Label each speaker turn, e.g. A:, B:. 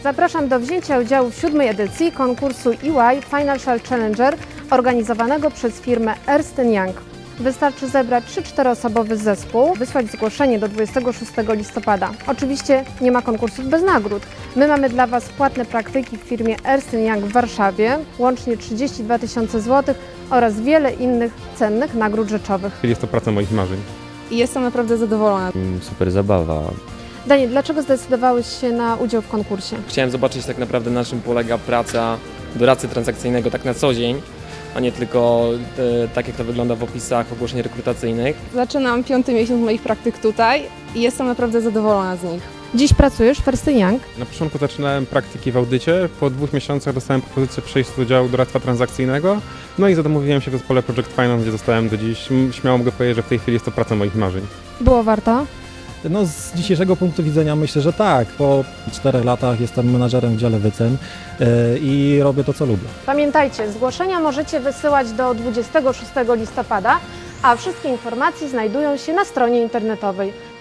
A: Zapraszam do wzięcia udziału w 7. edycji konkursu EY Financial Challenger organizowanego przez firmę Ernst & Young. Wystarczy zebrać 3-4 osobowy zespół, wysłać zgłoszenie do 26 listopada. Oczywiście nie ma konkursów bez nagród. My mamy dla Was płatne praktyki w firmie Ernst & Young w Warszawie, łącznie 32 000 złotych oraz wiele innych cennych nagród rzeczowych.
B: Jest to praca moich marzeń.
C: I jestem naprawdę zadowolona.
D: Super zabawa.
A: Daniel, dlaczego zdecydowałeś się na udział w konkursie?
E: Chciałem zobaczyć tak naprawdę, na czym polega praca doradcy transakcyjnego tak na co dzień, a nie tylko tak jak to wygląda w opisach ogłoszeń rekrutacyjnych.
C: Zaczynam 5. miesiąc moich praktyk tutaj i jestem naprawdę zadowolona z nich.
A: Dziś pracujesz w Ernst & Young.
B: Na początku zaczynałem praktyki w audycie, po 2 miesiącach dostałem propozycję przejścia do działu doradztwa transakcyjnego, no i zadomowiłem się w zespole Project Finance, gdzie zostałem do dziś. Śmiało mogę powiedzieć, że w tej chwili jest to praca moich marzeń.
A: Było warto?
F: No z dzisiejszego punktu widzenia myślę, że tak. Po 4 latach jestem menadżerem w dziale wycen i robię to, co lubię.
A: Pamiętajcie, zgłoszenia możecie wysyłać do 26 listopada, a wszystkie informacje znajdują się na stronie internetowej.